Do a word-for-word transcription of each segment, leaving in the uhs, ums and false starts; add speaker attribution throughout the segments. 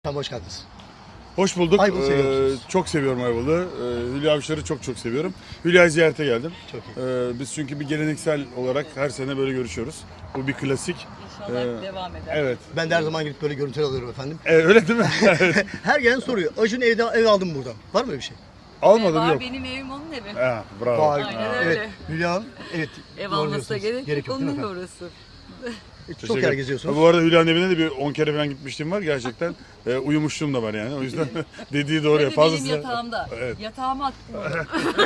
Speaker 1: Tamam, hoş geldiniz.
Speaker 2: Hoş bulduk.
Speaker 1: Ayvalık'ı seviyor musunuz?
Speaker 2: Ee, çok seviyorum Ayvalık'ı. Ee, Hülya Avşar'ı çok çok seviyorum. Hülya'yı ziyarete geldim.
Speaker 1: Çok iyi.
Speaker 2: Ee, biz çünkü bir geleneksel olarak her sene böyle görüşüyoruz. Bu bir klasik.
Speaker 3: İnşallah
Speaker 2: Ee,
Speaker 3: devam eder.
Speaker 2: Evet.
Speaker 1: Ben de her zaman gidip böyle görüntüler alıyorum efendim.
Speaker 2: Ee, öyle değil mi? Evet.
Speaker 1: Her gelen soruyor. Acun evde ev aldım buradan. Var mı öyle bir şey?
Speaker 2: Almadım
Speaker 3: Var,
Speaker 2: yok.
Speaker 3: benim evim onun evi.
Speaker 2: Ha, bravo.
Speaker 1: Vay.
Speaker 3: Aynen
Speaker 1: Evet.
Speaker 3: öyle.
Speaker 1: Hülya Hanım, evet.
Speaker 3: Ev
Speaker 1: doğru
Speaker 3: almasına
Speaker 1: diyorsunuz.
Speaker 3: gerek, yok,
Speaker 1: değil mi
Speaker 3: onun
Speaker 1: efendim?
Speaker 3: orası.
Speaker 1: Çok
Speaker 2: Teşekkür-
Speaker 1: yer geziyorsunuz.
Speaker 2: Bu arada Hülya'nın evine de bir on kere falan gitmiştim var gerçekten. Ee, uyumuşluğum da var yani. O yüzden dediği doğru.
Speaker 3: Ve
Speaker 2: ya.
Speaker 3: de
Speaker 2: Fazlası.
Speaker 3: benim yatağımda.
Speaker 2: Evet.
Speaker 3: Yatağıma attım onu.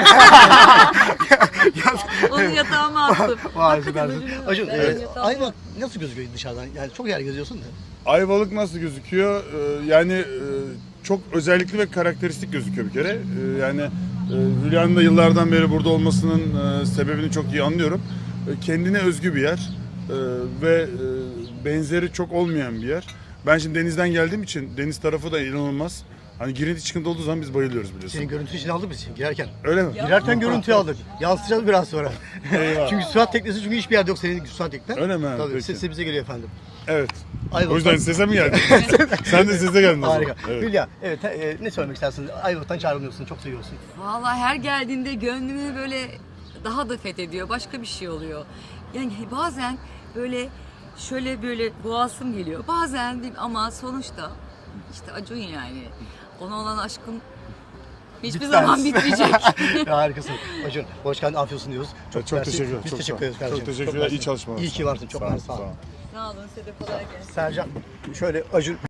Speaker 3: Onu yatağıma attım.
Speaker 1: Vay
Speaker 3: Hakikaten
Speaker 1: süpersin.
Speaker 3: öyle mi?
Speaker 1: Acun,
Speaker 3: Ben
Speaker 1: evet.
Speaker 3: yatağıma-
Speaker 1: Ayva nasıl gözüküyor dışarıdan? Yani çok yer geziyorsun da.
Speaker 2: Ayvalık nasıl gözüküyor? Ee, yani e, çok özellikli ve karakteristik gözüküyor bir kere. Ee, yani e, Hülya'nın da yıllardan beri burada olmasının e, sebebini çok iyi anlıyorum. E, kendine özgü bir yer e, ve e, benzeri çok olmayan bir yer. Ben şimdi denizden geldiğim için deniz tarafı da inanılmaz. Hani girinti çıkıntı olduğu zaman biz bayılıyoruz biliyorsun.
Speaker 1: Senin görüntü için aldık biz girerken.
Speaker 2: Öyle mi?
Speaker 3: Ya.
Speaker 1: Girerken görüntüyü aldık. Yansıtacağız biraz sonra.
Speaker 2: Eyvah.
Speaker 1: Çünkü sürat teknesi çünkü hiçbir yerde yok senin sürat teknen.
Speaker 2: Öyle mi?
Speaker 1: Tabii
Speaker 2: Peki.
Speaker 1: sesi bize geliyor efendim.
Speaker 2: Evet.
Speaker 1: Ayvalık'tan-
Speaker 2: O yüzden size mi geldin? Sen de size geldin o zaman.
Speaker 1: Harika.
Speaker 2: Evet.
Speaker 1: Hülya, evet e, ne söylemek istersin? Ayvalık'tan çağrılıyorsun, çok seviyorsun.
Speaker 3: Vallahi her geldiğinde gönlümü böyle daha da fethediyor. Başka bir şey oluyor. Yani bazen böyle şöyle böyle boğazım geliyor. Bazen bir, ama sonuçta işte Acun yani. Ona olan aşkım hiçbir
Speaker 1: Bitmez.
Speaker 3: zaman bitmeyecek.
Speaker 1: Ya harikasın. Acun, hoş geldin, afiyet diyoruz.
Speaker 2: Çok, çok
Speaker 1: mersi.
Speaker 2: teşekkürler.
Speaker 1: Biz
Speaker 2: çok
Speaker 1: teşekkür
Speaker 2: sağ ol.
Speaker 1: ederiz kardeşim.
Speaker 2: Çok teşekkürler. İyi
Speaker 1: mersi.
Speaker 2: çalışmalar.
Speaker 1: İyi ki varsın. Çok
Speaker 2: Sağ ol,
Speaker 1: mersi. Sağ ol.
Speaker 2: sağ ol.
Speaker 3: Sağ olun, size de kolay gelsin.
Speaker 1: Sercan, şöyle Acun